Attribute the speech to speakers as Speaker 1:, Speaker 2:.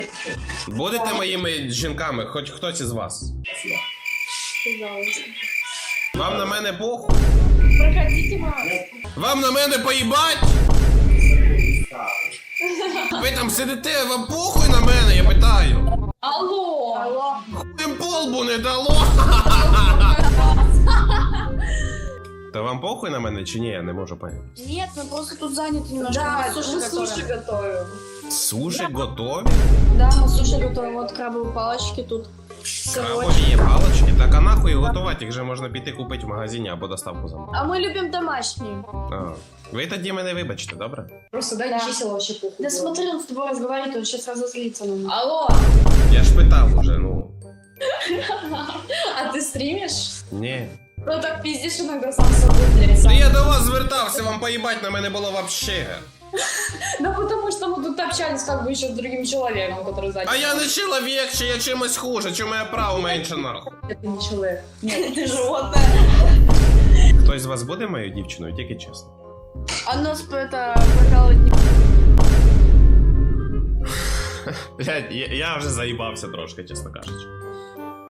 Speaker 1: Будете моїми жінками, хоч хтось із вас?
Speaker 2: Пожалуйста.
Speaker 1: Вам на мене похуй?
Speaker 2: Проходите, мам.
Speaker 1: Вам на мене поїбать? Ви там сидите, вам похуй на мене, я питаю.
Speaker 2: Алло. Алло.
Speaker 1: Хуєм полбу не дало. Та вам похуй на мене чи ні, я не можу поняти.
Speaker 2: Нет, мы просто тут заняты немножко.
Speaker 3: Да,
Speaker 2: мы суши готовим.
Speaker 1: Суші готові?
Speaker 2: Да, мы суши готовим. Вот крабовые палочки тут.
Speaker 1: Крабові є палочки? Так а нахуй готувати, їх же можна піти купити в магазині або доставку замовити.
Speaker 2: А мы любим домашние.
Speaker 1: А. Ви тоді мене вибачте, добре?
Speaker 3: Просто дай
Speaker 2: Да.
Speaker 3: чисел вообще похуй.
Speaker 2: Да смотри, он с тобой разговаривает, он сейчас разозлится на нас.
Speaker 3: Алло,
Speaker 1: Я ж питав уже, ну.
Speaker 3: а ты стримишь?
Speaker 1: Ні.
Speaker 3: Ну так пиздишь иногда сам с собой, блядь.
Speaker 1: Та я до вас звертався, вам поїбать на мене було вообще.
Speaker 3: Да потому что мы тут общались как бы еще с другим человеком, который занят.
Speaker 1: А я не чоловік, чи я чимось хуже, чи моє право менше нахуй.
Speaker 3: Это не человек. Нет, ты животное.
Speaker 1: Хтось з вас буде моєю дівчиною, тільки чесно.
Speaker 2: А нас это прокалывать не...
Speaker 1: Блядь, я вже заїбався трошки, чесно кажучи.